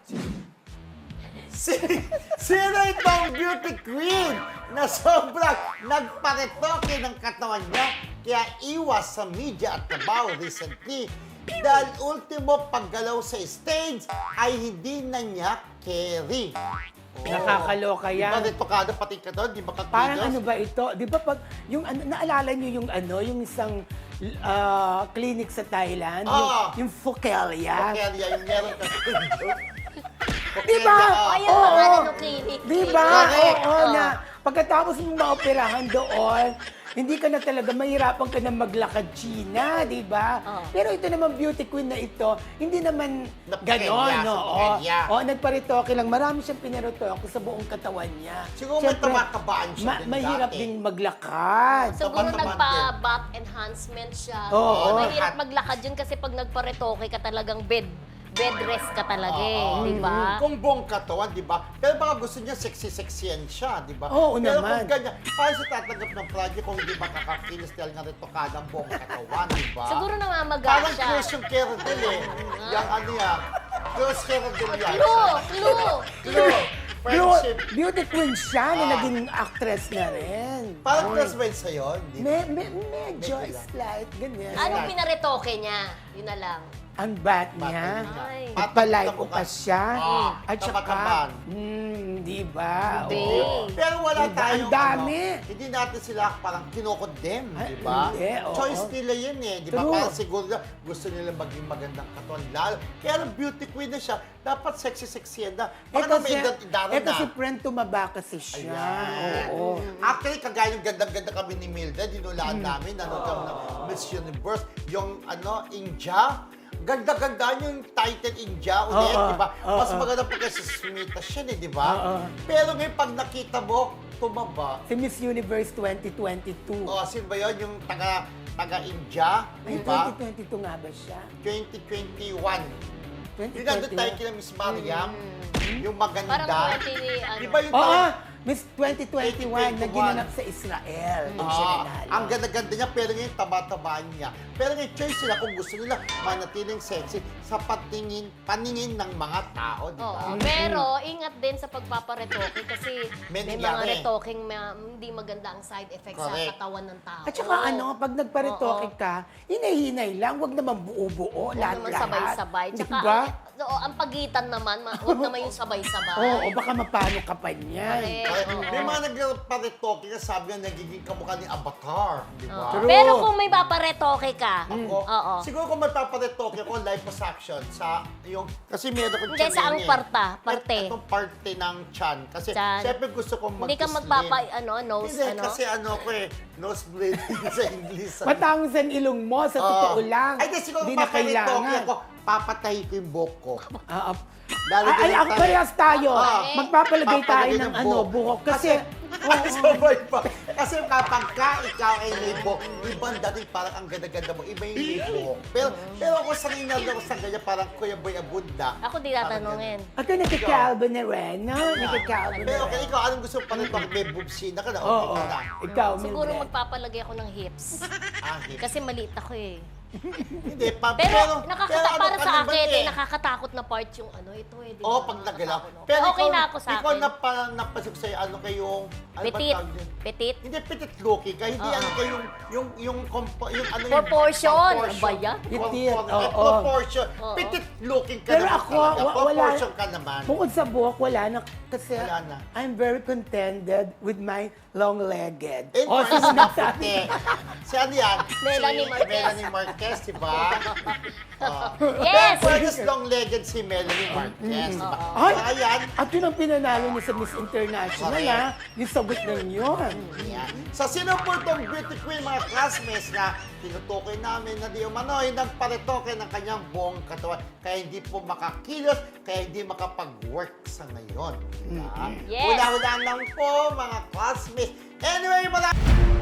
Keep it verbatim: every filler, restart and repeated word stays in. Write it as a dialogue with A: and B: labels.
A: Si, sino itong beauty queen na sobrang nagparetoke ng katawan niya kaya iwas sa media at trabaho recently dahil ultimo paggalaw sa stage ay hindi na niya carry. Oh.
B: Nakakaloka yan.
A: Di ba retokado pati ka doon? Di ba kakilos?
B: Parang ano ba ito? Di ba pag, yung ano, naalala niyo yung ano, yung isang ah, clinic sa Thailand? Yung,
A: Ah.
B: yung Focalia.
A: Kaya yung meron ka
B: Di ba?
C: Ayun,
B: Oo.
C: pangalan ng clinic.
B: Di ba?
A: Correct.
B: Oo,
C: Oo.
B: na pagkatapos mong maoperahan doon, hindi ka na talaga, mahirapan ka na maglakad, China, di ba?
C: Oo.
B: Pero ito naman, beauty queen na ito, hindi naman
A: Napakenya,
B: ganon, no?
A: sa
B: Oo,
A: Pekenya.
B: Oo, nagparitoke lang. Marami siyang pinaritoke sa buong katawan niya.
A: Siguro may
B: Siyempre,
A: tamakabaan siya
B: ma-
A: din
B: mahirap
A: dati.
B: ding maglakad.
C: Siguro
A: Tapat-tapat
C: nagpa-back enhancement siya.
B: Oo.
C: Mahirap maglakad yun kasi pag nagparetoke ka talagang bed bed rest ka talaga eh,
A: Oo.
C: di ba?
A: Kung buong katawan, di ba? Pero baka gusto niya sexy-sexyan siya, di ba?
B: Oo
A: Pero
B: naman.
A: kung ganyan, paano siya tatanggap ng project kung hindi makakakilos dahil nga retokada ang buong katawan, di ba?
C: Siguro namamaga
A: Parang
C: siya.
A: close yung Keradel eh. Yung ano yan. Close Keradel yan.
C: Clue! Clue!
A: Clue!
B: Beau-
A: Friendship.
B: beauty queen siya na
A: Ah.
B: naging actress na rin.
A: Parang
B: Uy.
A: classmate sa'yo, hindi
B: Me, me, medyo
A: Medyo lang.
B: slight, ganyan.
C: Anong pinaretoke niya? Yun na lang.
B: Ang bat niya.
C: Ay.
B: At palay ko pa siya.
A: Ah,
B: At saka,
A: tama-taman.
B: hmm, di ba?
C: Hindi.
B: Oo.
A: Pero wala
B: Diba?
A: tayong
B: Ang dami.
A: ano, hindi natin sila parang kinokondem,
B: Ay,
A: di ba?
B: hindi, oo.
A: Choice nila yun eh, di ba?
B: True.
A: Parang siguro na gusto nila maging magandang katawan. Lalo, kaya ang beauty queen na siya, dapat sexy-sexy yan na.
B: Eh
A: Baka na may
B: kasi,
A: edad-edad
B: eh
A: na.
B: kasi friend tumaba kasi siya.
A: Ayan.
B: Oo.
A: Actually, kagaya yung ganda-ganda kami ni Milda, dinulaan
B: Hmm.
A: namin, nanood kami ng Miss Universe, yung ano, India. Ganda-ganda yung title India ulit,
B: Oo,
A: di ba?
B: oo.
A: Mas maganda pa kasi Smita siya, eh, di ba?
B: Oo.
A: Pero ngayon, pag nakita mo, tumaba.
B: Si Miss Universe twenty twenty-two.
A: O, sino ba yun? Yung taga, taga-India, di
B: Ay,
A: ba?
B: twenty twenty-two nga ba siya?
A: twenty twenty-one.
B: twenty
A: Yung nandun tayo
B: twenty-one.
A: kila Miss Mariam, yung maganda.
C: Parang twenty, ano.
A: Di ba yung
B: Oo,
A: taga-
B: Miss twenty twenty-one na ginanap sa Israel. Doon siya
A: Ah,
B: nanalo.
A: ang ganda-ganda niya, pero ngayon taba-tabaan niya. Pero ngayon, choice sila kung gusto nila manatiling sexy sa patingin, paningin ng mga tao, di ba?
C: Oo, pero ingat din sa pagpaparetoke kasi
A: May
C: may, mga
A: nangyari.
C: retoking ma- hindi maganda ang side effects
A: Correct.
C: sa katawan ng tao.
B: At saka ano, pag nagparitoke ka, hinay-hinay lang, wag naman buo-buo,
C: Huwag
B: lahat-lahat.
C: naman sabay-sabay. Tsaka,
B: Diba?
C: ang, oo, ang pagitan naman, ma- huwag naman yung sabay-sabay.
B: Oo, o baka mapano ka pa niyan.
C: Correct.
A: Ay,
C: Oo.
A: may mga nagparetoke na sabi nga nagiging kamukha ni Avatar, di ba?
B: True.
C: Pero kung may paparetoke ka,
A: Ako,
C: oo.
A: siguro kung magpaparetoke ako, liposuction sa yung, kasi meron akong
C: Hindi,
A: tiyan
C: saang
A: ngayon eh.
C: parta? Parte?
A: Et- Itong parte ng chan. Kasi
C: Tiyan.
A: syempre gusto kong mag
C: Hindi ka magpapa, ano, nose,
A: Hindi,
C: ano?
A: kasi ano ko eh, nosebleed sa English.
B: Matangos ang ilong mo, sa totoo
A: Oo.
B: lang.
A: Ay, di siguro
B: Di na
A: paparetoke
B: kailangan.
A: ako, papatahi ko yung buhok ko.
B: Ah, ah.
A: Lalo
B: ay, ay,
A: ganyan
B: ang
A: tayo.
B: parehas tayo.
A: Ah.
B: Magpapalagay tayo
A: Papalagay
B: ng
A: ng
B: ano,
A: buhok.
B: buhok. Kasi,
A: Ay, sabay pa. Kasi kapag ka ikaw ay may buhok, ibang dating parang ang ganda-ganda mo, iba yung may buhok. Pero, pero ako sanay na ako sa ganyan, parang Kuya Boy Abunda.
C: Ako di tatanungin.
B: ako nagka-Calvin na rin, no? Nagka-Calvin na
A: Pero
B: rin.
A: okay, ikaw, anong gusto mo pa rin pag may boobsina ka na? Okay
B: Oo,
A: ka na.
B: ikaw,
C: Siguro
B: Mildred.
C: magpapalagay ako ng hips.
A: Ah, hips.
C: Kasi maliit ako eh.
A: Hindi, pa,
C: Pero,
A: pero,
C: nakakata-
A: pero ano
C: para
A: ka
C: sa
A: naman
C: akin,
A: eh.
C: eh, nakakatakot na part yung ano, ito eh. di ba?
A: Oo, pag nagalaw.
C: Nakakatakot, no?
A: Pero
C: okay
A: ikaw,
C: na ako sa
A: ikaw
C: akin.
A: na parang napasok sa'yo, ano kayong, ano ba
C: Petit.
A: tawag din?
C: Petit.
A: Hindi, petit looking ka. Hindi
C: Oo.
A: ano kayo yung, yung, yung, compo, yung ano
C: Proportion.
A: yung
C: Ano ba yan?
B: Petit,
A: Propor-
B: oo.
A: eh, proportion.
C: Oo.
A: Petit looking ka
B: Pero
A: naman
B: ako,
A: talaga.
B: wa- wala.
A: Proportion ka naman.
B: Bukod sa buhok, wala na. Kasi
A: Wala na.
B: I'm very contented with my long-legged.
A: Eh,
B: O,
A: oh,
B: sino nagsabi?
A: puti. Si ano yan?
C: Melanie
A: Si
C: Marquez.
A: Melanie Marquez, di ba? Oh.
C: Yes!
A: Pero pwede long-legged si Melanie Marquez, di ba?
B: Ay!
A: Kaya yan,
B: At yun ang pinanalo niya sa Miss International,
A: Correct.
B: ha? Yung sagot na yun.
A: yan. Sa sino po itong beauty queen, mga classmates na tinutukoy namin na di umano'y nagparetoke ng kanyang buong katawan kaya hindi po makakilos, kaya hindi makapag-work sa ngayon. Diba?
C: Yes.
A: Hula-hula lang po, mga classmates. Anyway, mga